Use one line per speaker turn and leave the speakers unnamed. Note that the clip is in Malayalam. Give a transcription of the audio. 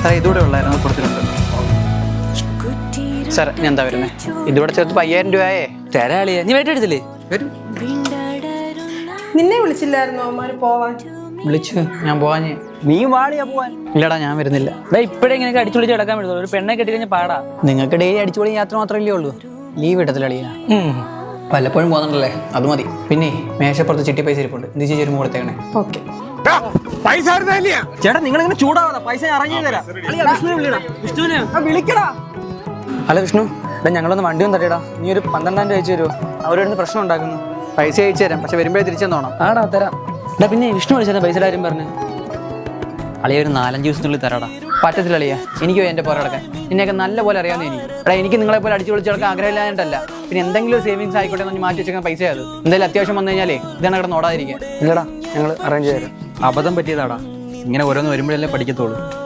സാറേ ഇതുകൂടെ ഉള്ളായിരുന്നു കൊടുത്തിട്ടുണ്ട്. സാർ ഞാൻ എന്താ വരുന്നത്? ഇതുകൂടെ ചേർത്ത് 5000 രൂപയേ
തരാളിയാ. നീ വേണ്ട എടുത്തില്ലേ?
വരും.
നിന്നെ വിളിച്ചില്ലായിരുന്നോ അവന്മാര് പോവാൻ?
വിളിച്ചു, ഞാൻ പോവാഞ്ഞ്.
നീ വാളിയാ പോവാൻ.
ഇല്ലടാ ഞാൻ വരുന്നില്ല.
ഇപ്പഴേ ഇങ്ങനെ അടിച്ചു വിളിച്ച് കിടക്കാൻ പറ്റുള്ളൂ. ഒരു പെണ്ണെ കെട്ടി കഴിഞ്ഞാൽ പാടാ.
നിങ്ങൾക്ക് ഡെയിലി അടിച്ചുപൊളി യാത്ര മാത്രമല്ലേ ഉള്ളൂ, ലീവ് ഇടത്തില്ല അളിയാ. വല്ലപ്പോഴും പോകുന്നുണ്ടല്ലേ, അത് മതി. പിന്നെ മേശപ്പുറത്ത് ചിട്ടി പൈസ ഇരിപ്പുണ്ട്, എന്ത് ചേരുമ്പോൾ കൊടുത്തേക്കണേ.
ഓക്കെ.
ചേട്ടാ നിങ്ങൾ ഇങ്ങനെ ചൂടാവാ, പൈസ അറേഞ്ച് ചെയ്ത് തരാം. വിളിക്കടാ. അല്ല വിഷ്ണു, ഞങ്ങളൊന്ന് വണ്ടി ഒന്ന് തട്ടിയടാ. നീ ഒരു 12,000 രൂപ അയച്ചു തരുമോ? അവരോട് പ്രശ്നം ഉണ്ടാക്കുന്നു.
പൈസ അയച്ചു തരാം, പക്ഷെ വരുമ്പോഴേ തിരിച്ചെന്നോണം.
ആടാ തരാം. പിന്നെ വിഷ്ണു വിളിച്ചാൽ പൈസയുടെ കാര്യം പറഞ്ഞു.
അളിയ ഒരു 4-5 ദിവസത്തിനുള്ളിൽ തരാടാ. പറ്റത്തില്ല അളിയ, എനിക്ക് എൻ്റെ പുറം കിടക്കാൻ. നിന്നെയൊക്കെ നല്ല പോലെ അറിയാവുന്ന എനിക്ക് നിങ്ങളെ പോലെ അടിച്ചു വിളിച്ച് കിടക്കാൻ ആഗ്രഹമില്ലാഞ്ഞിട്ടല്ല. പിന്നെ എന്തെങ്കിലും സേവിങ്സ് ആയിക്കോട്ടെ എന്ന് മാറ്റി വെച്ചേക്കാൻ പൈസ അത് എന്തായാലും അത്യാവശ്യം വന്നു കഴിഞ്ഞാലേ ഇതാണ് കിടന്ന് ഓടാതിരിക്കുക.
ഇല്ലടാ, ഞങ്ങൾ അറേഞ്ച് ചെയ്ത് തരാം.
അബദ്ധം പറ്റിയതാടാ, ഇങ്ങനെ ഓരോന്ന് വരുമ്പോഴല്ലേ പഠിക്കത്തുള്ളൂ.